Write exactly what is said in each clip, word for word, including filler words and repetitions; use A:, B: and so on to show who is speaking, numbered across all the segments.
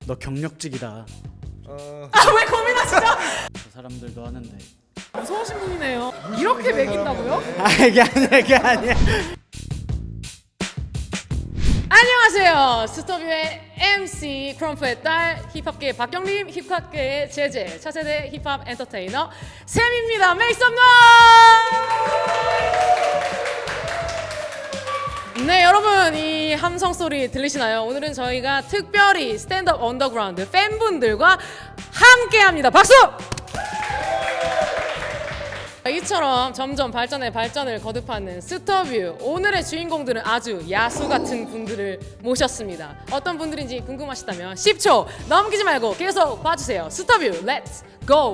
A: 너 경력직이다.
B: 어...
C: 아 왜 고민하시죠?
A: 그 사람들도 하는데.
C: 무서우신 분이네요. 이렇게 매긴다고요?
A: 아 이게 아니야 이게 아니야.
C: 안녕하세요. 스토뷰의 엠씨 크럼프의 딸 힙합계의 박경림, 힙합계의 제제, 차세대 힙합 엔터테이너 샘입니다. Make some noise! 네 여러분 이 함성 소리 들리시나요? 오늘은 저희가 특별히 스탠드업 언더그라운드 팬분들과 함께합니다. 박수! 이처럼 점점 발전에 발전을 거듭하는 스토뷰, 오늘의 주인공들은 아주 야수 같은 분들을 모셨습니다. 어떤 분들인지 궁금하시다면 십 초 넘기지 말고 계속 봐주세요. 스토뷰 렛츠 고!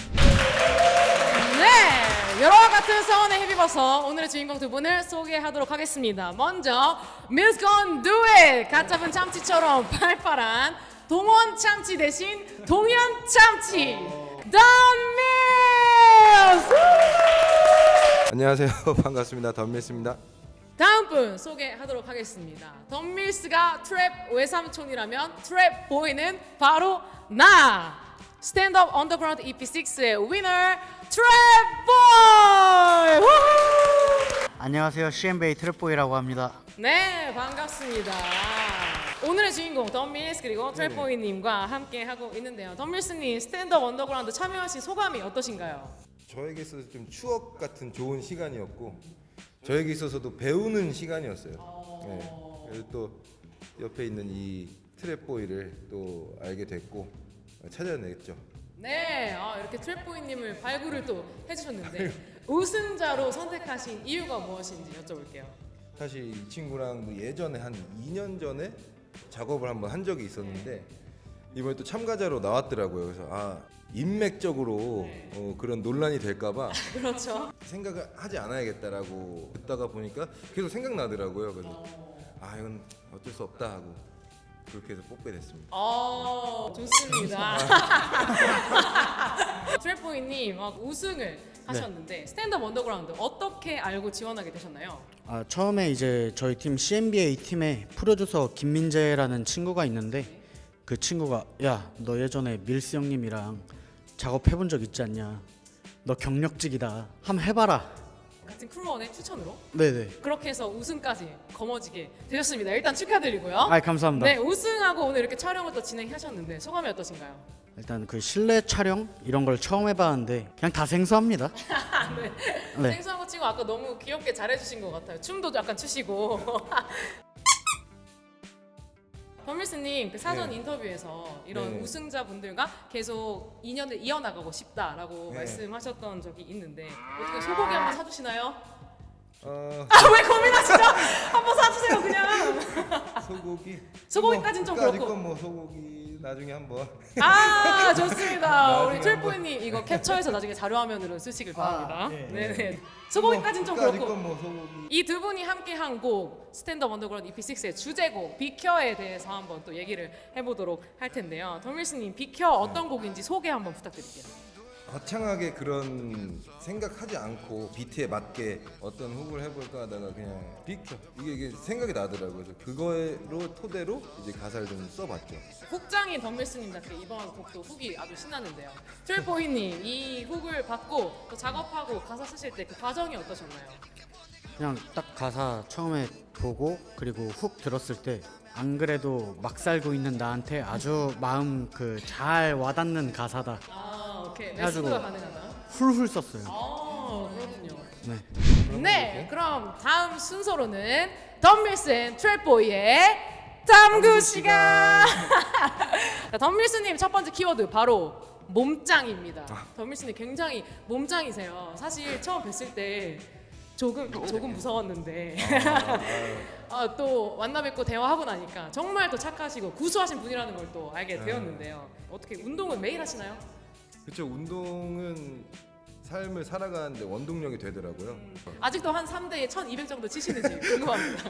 C: 네, 여러와 같은 성원에 힘입어서 오늘의 주인공 두 분을 소개하도록 하겠습니다. 먼저 Mills Gon Do It! 갓 잡은 참치처럼 팔팔한 동원 참치 대신 동현 참치 던 밀스!
B: 안녕하세요. 반갑습니다. 덤밀스입니다.
C: 다음 분 소개하도록 하겠습니다. 덤밀스가 트랩 외삼촌이라면 트랩 보이는 바로 나! 스탠드업 언더그라운드 이피 식스의 위너 트랩 보이!
A: 안녕하세요. 씨엠베이 트랩보이라고 합니다.
C: 네, 반갑습니다. 오늘의 주인공 덤밀스 그리고 트랩보이님과 함께 하고 있는데요. 덤밀스님 스탠드업 언더그라운드 참여하신 소감이 어떠신가요?
B: 저에게 있어서 좀 추억 같은 좋은 시간이었고 저에게 있어서도 배우는 시간이었어요. 네. 그래서 또 옆에 있는 이 트랩보이를 또 알게 됐고 찾아냈죠.
C: 네, 아, 이렇게 트랩보이님을 발굴을 또 해주셨는데 우승자로 선택하신 이유가 무엇인지 여쭤볼게요.
B: 사실 이 친구랑 뭐 예전에 한 이 년 전에 작업을 한번 한 적이 있었는데 이번에 또 참가자로 나왔더라고요. 그래서 아 인맥적으로 어, 그런 논란이 될까봐
C: 그렇죠.
B: 생각을 하지 않아야겠다라고 듣다가 보니까 계속 생각나더라고요. 그래서 아 이건 어쩔 수 없다 하고 그렇게 해서 뽑게 됐습니다.
C: 어, 좋습니다. 트랩보이님 어, 우승을 하셨는데 스탠드업 언더그라운드 어떻게 알고 지원하게 되셨나요?
A: 아 처음에 이제 저희 팀 씨엠비에이 팀에 프로듀서 김민재라는 친구가 있는데 그 친구가 야 너 예전에 밀스 형님이랑 작업해본 적 있지 않냐? 너 경력직이다. 한번 해봐라.
C: 같은 크루원의 추천으로
A: 네네.
C: 그렇게 해서 우승까지 거머쥐게 되셨습니다. 일단 축하드리고요.
A: 아 감사합니다.
C: 네, 우승하고 오늘 이렇게 촬영을 또 진행하셨는데 소감이 어떠신가요?
A: 일단 그 실내 촬영 이런 걸 처음 해봤는데 그냥 다 생소합니다.
C: 네.
A: 네.
C: 생소한 거 치고 아까 너무 귀엽게 잘해주신 것 같아요. 춤도 약간 추시고. 덤밀스님 그 사전
B: 네.
C: 인터뷰에서 이런
B: 네.
C: 우승자분들과 계속 인연을 이어나가고 싶다라고
B: 네.
C: 말씀하셨던 적이 있는데 어떻게 소고기 한번 사주시나요?
B: 어,
C: 아 왜 고민하시죠? 한번 사주세요 그냥.
B: 소고기
C: 소고기까진 좀
B: 까짓
C: 그렇고.
B: 건뭐 소고기 나중에 한번
C: 아 좋습니다. 우리
B: 나중에 한번.
C: 트랩보이님 이거 캡처해서 나중에 자료화면으로 쓰시길 바랍니다.
A: 아, 네.
C: 네네. 소고기까진 좀
B: 까짓
C: 그렇고.
B: 건뭐 소고기
C: 이 두 분이 함께한 곡 스탠드업 언더그라운드 이피 식스의 주제곡 비켜에 대해서 한번 또 얘기를 해보도록 할 텐데요. 덤밀스님 비켜 어떤 곡인지 소개 한번 부탁드릴게요.
B: 거창하게 그런 생각하지 않고 비트에 맞게 어떤 훅을 해볼까 하다가 그냥 비켜 이게, 이게 생각이 나더라고요. 그래서 그거로 토대로 이제 가사를 좀 써봤죠.
C: 훅장인 덤밀스님답게 이번 곡도 훅이 아주 신나는데요. 트랩보이님 이 훅을 받고 또 작업하고 가사 쓰실 때 그 과정이 어떠셨나요?
A: 그냥 딱 가사 처음에 보고 그리고 훅 들었을 때 안 그래도 막 살고 있는 나한테 아주 마음 그 잘 와닿는 가사다.
C: 아 오케이.
A: 해가지고
C: 레스가 가능하나?
A: 훌훌 썼어요.
C: 아 그렇군요.
A: 네.
C: 네, 그럼 다음 순서로는 덤밀스 앤 트랩보이의 탐구 시간. 자, 덤밀스님 첫 번째 키워드 바로 몸짱입니다. 덤밀스님 굉장히 몸짱이세요. 사실 처음 뵀을 때 조금 조금 무서웠는데 아, 또 만나 뵙고 대화하고 나니까 정말 또 착하시고 구수하신 분이라는 걸 또 알게 되었는데요. 어떻게 운동은 매일 하시나요?
B: 그렇죠. 운동은 삶을 살아가는데 원동력이 되더라고요.
C: 아직도 한 삼 대에 천이백 정도 치시는지 궁금합니다.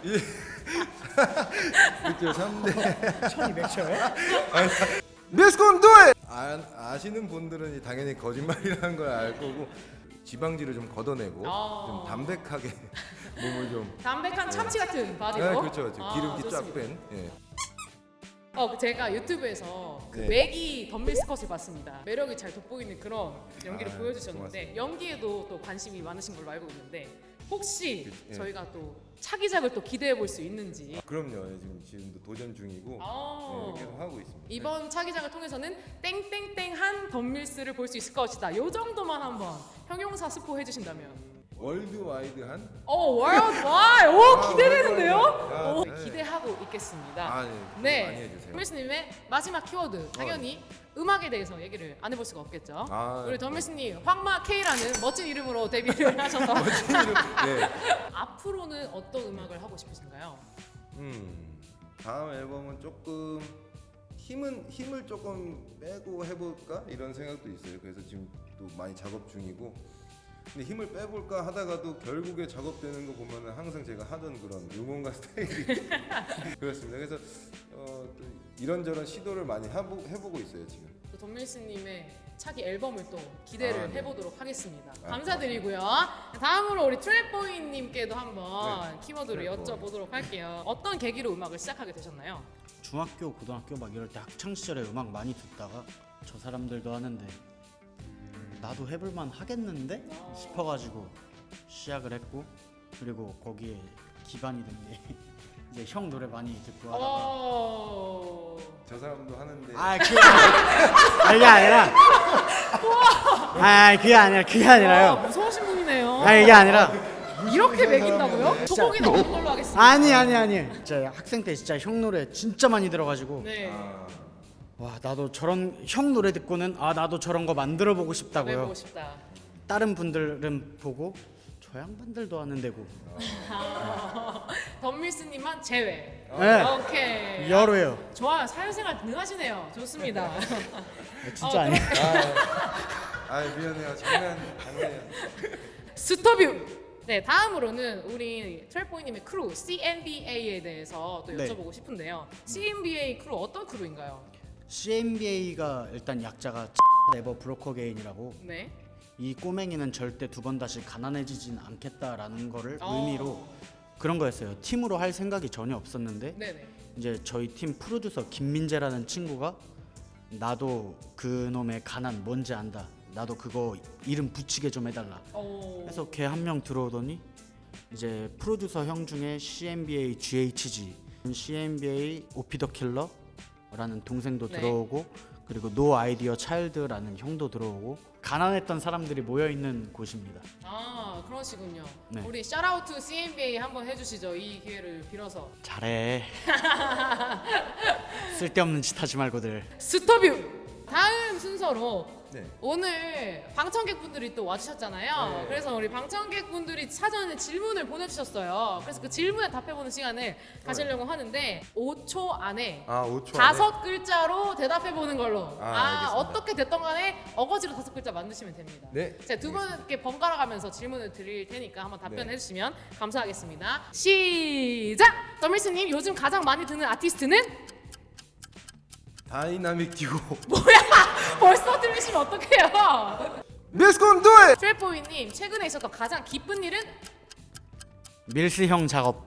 B: 그렇죠. 삼 대
A: 천이백 쳐요?
B: 미스콘 도에 아, 아시는 분들은 당연히 거짓말이라는 걸 알 거고 지방지를 좀 걷어내고
C: 아.
B: 좀 담백하게 몸을 좀
C: 담백한 참치 같은 바디로.
B: 네, 그렇죠.
C: 아,
B: 기름기 쫙
C: 좋습니다.
B: 뺀. 예.
C: 어 제가 유튜브에서 그
B: 네.
C: 매기 덤밀스 컷을 봤습니다. 매력이 잘 돋보이는 그런 연기를
B: 아,
C: 보여주셨는데
B: 고맙습니다.
C: 연기에도 또 관심이 많으신 걸로 알고 있는데 혹시
B: 그, 예.
C: 저희가 또 차기작을 또 기대해 볼 수 있는지.
B: 아, 그럼요. 예, 지금 지금도 도전 중이고
C: 아.
B: 네, 계속 하고 있습니다.
C: 이번 차기작을 통해서는 땡땡땡한 덤밀스를 볼 수 있을 것이다. 요 정도만 한번 형용사 스포 해주신다면.
B: 월드와이드한
C: 어 월드와이 오
B: 아,
C: 기대되는데요?
B: 월드와이드. 아,
C: 오,
B: 네.
C: 기대하고 있겠습니다.
B: 아, 네.
C: 네.
B: 많이 해주세요.
C: 덤밀스님의 마지막 키워드 당연히 음악에 대해서 얘기를 안 해볼 수가 없겠죠.
B: 아,
C: 우리 덤밀스님 황마 K라는 멋진 이름으로 데뷔를 하셔서
B: 네.
C: 앞으로는 어떤 음악을 하고 싶으신가요?
B: 음, 다음 앨범은 조금 힘은 힘을 조금 빼고 해볼까 이런 생각도 있어요. 그래서 지금 또 많이 작업 중이고. 근데 힘을 빼볼까 하다가도 결국에 작업되는 거 보면은 항상 제가 하던 그런 응원가 스타일이 그렇습니다. 그래서 어, 또 이런저런 시도를 많이 해보, 해보고 있어요 지금.
C: 또 덤밀스님의 차기 앨범을 또 기대를
B: 아, 네.
C: 해보도록 하겠습니다.
B: 아,
C: 감사드리고요. 다음으로 우리 트랩보이님께도 한번
B: 네.
C: 키워드를
B: 트랩보이.
C: 여쭤보도록 할게요. 어떤 계기로 음악을 시작하게 되셨나요?
A: 중학교, 고등학교 막 이럴 때 학창 시절에 음악 많이 듣다가 저 사람들도 하는데 나도 해볼만 하겠는데 싶어가지고 시작을 했고 그리고 거기에 기반이 된 게 이제 형 노래 많이 듣고 하다가
C: 어...
B: 저 사람도 하는데
A: 아 그게 아니라 그게 아니라 아 그게 아니라 그게
C: 와,
A: 아니라요.
C: 무서우신 분이네요.
A: 아 이게 아니라
C: 이렇게 매긴다고요? 소고기는 없는 걸로 하겠습니다.
A: 아니 아니 아니 진짜 학생 때 진짜 형 노래 진짜 많이 들어가지고
C: 네.
B: 아,
A: 와 나도 저런 형 노래 듣고는 아 나도 저런 거 만들어 보고 싶다고요.
C: 해보고 싶다.
A: 다른 분들은 보고 저 양반들도 하는 데고
C: 덤밀스님만 제외.
A: 네.
C: 오케이.
A: 여로요.
C: 좋아요. 사회생활 능하시네요. 좋습니다.
A: 진짜
C: 어,
A: 아니에요.
B: 아, 아 미안해요. 장난 장난이에요.
C: 스톱뷰. 네, 다음으로는 우리 트랩보이님의 크루 씨엔비에이에 대해서 또
A: 네.
C: 여쭤보고 싶은데요. 씨엔비에이 크루 어떤 크루인가요?
A: 씨엔비에이가 일단 약자가 네버 브로커 게인이라고
C: 네.
A: 이 꼬맹이는 절대 두 번 다시 가난해지진 않겠다라는 거를
C: 어.
A: 의미로 그런 거였어요. 팀으로 할 생각이 전혀 없었는데
C: 네네.
A: 이제 저희 팀 프로듀서 김민재라는 친구가 나도 그 놈의 가난 뭔지 안다. 나도 그거 이름 붙이게 좀 해달라.
C: 오.
A: 그래서 걔 한 명 들어오더니 이제 프로듀서 형 중에 씨엔비에이 지에이치지, 씨엔비에이 오피 더 킬러라는 동생도
C: 네.
A: 들어오고 그리고 노 아이디어 차일드라는 형도 들어오고 가난했던 사람들이 모여 있는 곳입니다.
C: 아 그러시군요.
A: 네.
C: 우리 샤라우트 씨엔비에이 한번 해주시죠. 이 기회를 빌어서.
A: 잘해. 쓸데없는 짓 하지 말고들.
C: 스톱뷰. 다음 순서로
B: 네.
C: 오늘 방청객분들이 또 와주셨잖아요.
B: 네.
C: 그래서 우리 방청객분들이 사전에 질문을 보내주셨어요. 그래서 그 질문에 답해보는 시간을 가지려고 하는데 오 초 안에
B: 아, 오 초
C: 다섯 글자로 대답해보는 걸로.
B: 아,
C: 아,
B: 알겠습니다.
C: 어떻게 됐던 간에 어거지로 다섯 글자 만드시면 됩니다.
B: 네.
C: 제가 두 분께 번갈아 가면서 질문을 드릴 테니까 한번 답변해
B: 네.
C: 주시면 감사하겠습니다. 시작! 더밀스님 요즘 가장 많이 듣는 아티스트는?
B: 다이나믹 듀오.
C: 뭐야! 벌써 들리시면 어떡해요?
B: Let's go do it.
C: 트랩보이님 최근에 있었던 가장 기쁜 일은?
A: 밀스 형 작업.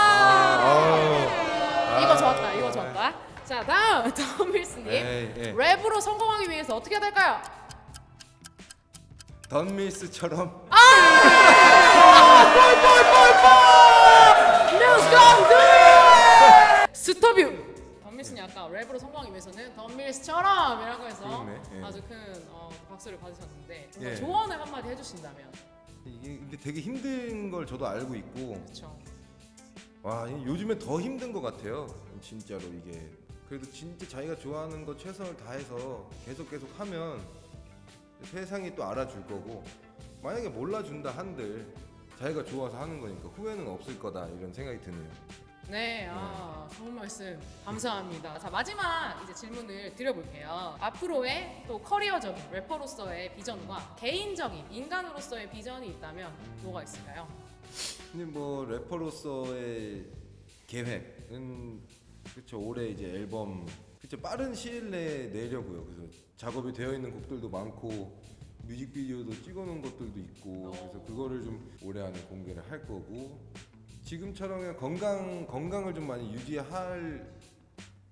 C: 아! 이거 좋았다. 이거 좋았다. 자 다음 더밀스님
B: 에이, 에이.
C: 랩으로 성공하기 위해서 어떻게 해야 될까요?
B: 던밀스처럼
C: Let's go do it! 스톱뷰. 덤밀스님 아까 랩으로 성공하기 위해서는 덤밀스처럼이라고 해서
B: 그렇네, 예.
C: 아주 큰 어, 박수를 받으셨는데
B: 예.
C: 조언을 한마디 해주신다면.
B: 이게 근데 되게 힘든 걸 저도 알고 있고
C: 그렇죠.
B: 와 이- 요즘에 더 힘든 것 같아요. 진짜로 이게 그래도 진짜 자기가 좋아하는 거 최선을 다해서 계속 계속 하면 세상이 또 알아줄 거고 만약에 몰라준다 한들 자기가 좋아서 하는 거니까 후회는 없을 거다 이런 생각이 드네요.
C: 네, 아, 좋은 말씀 감사합니다. 자 마지막 이제 질문을 드려볼게요. 앞으로의 또 커리어적인 래퍼로서의 비전과 개인적인 인간으로서의 비전이 있다면 뭐가 있을까요?
B: 근데 뭐 래퍼로서의 계획은 그쵸 올해 이제 앨범 그쵸 빠른 시일 내에 내려고요. 그래서 작업이 되어 있는 곡들도 많고 뮤직비디오도 찍어놓은 것들도 있고 그래서 그거를 좀 올해 안에 공개를 할 거고 지금처럼 그냥 건강 건강을 좀 많이 유지할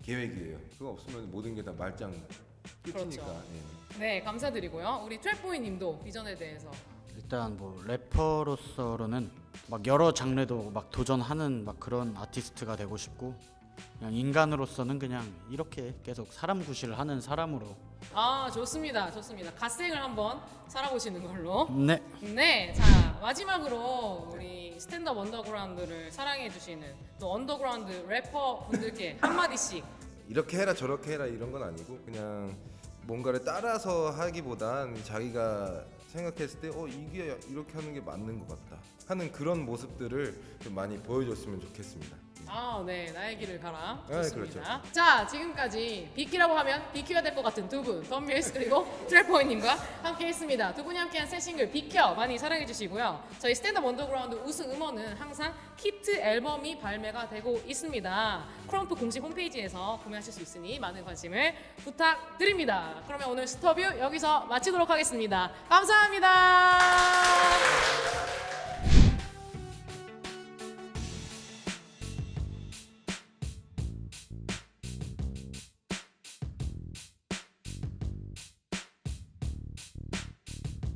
B: 계획이에요. 그거 없으면 모든 게 다 말짱 끝이니까.
C: 그렇죠.
B: 예.
C: 네, 감사드리고요. 우리 트랩보이님도 비전에 대해서.
A: 일단 뭐 래퍼로서는 막 여러 장르도 막 도전하는 막 그런 아티스트가 되고 싶고, 그냥 인간으로서는 그냥 이렇게 계속 사람 구실을 하는 사람으로.
C: 아, 좋습니다. 좋습니다. 갓생을 한번 살아보시는 걸로.
A: 네.
C: 네, 자 마지막으로 우리 스탠드업 언더그라운드를 사랑해주시는 또 언더그라운드 래퍼 분들께 한마디씩.
B: 이렇게 해라 저렇게 해라 이런 건 아니고 그냥 뭔가를 따라서 하기보단 자기가 생각했을 때 어 이게 이렇게 하는 게 맞는 것 같다 하는 그런 모습들을 좀 많이 보여줬으면 좋겠습니다.
C: 아, 네, 나의 길을 가라.
B: 네,
C: 좋습니다. 자, 지금까지 비키라고 하면 비키가 될 것 같은 두 분, 덤밀스 그리고 트랩보이님과 함께했습니다. 두 분이 함께한 새 싱글 비켜 많이 사랑해주시고요. 저희 스탠드업 언더그라운드 우승 음원은 항상 키트 앨범이 발매가 되고 있습니다. 크럼프 공식 홈페이지에서 구매하실 수 있으니 많은 관심을 부탁드립니다. 그러면 오늘 스터뷰 여기서 마치도록 하겠습니다. 감사합니다.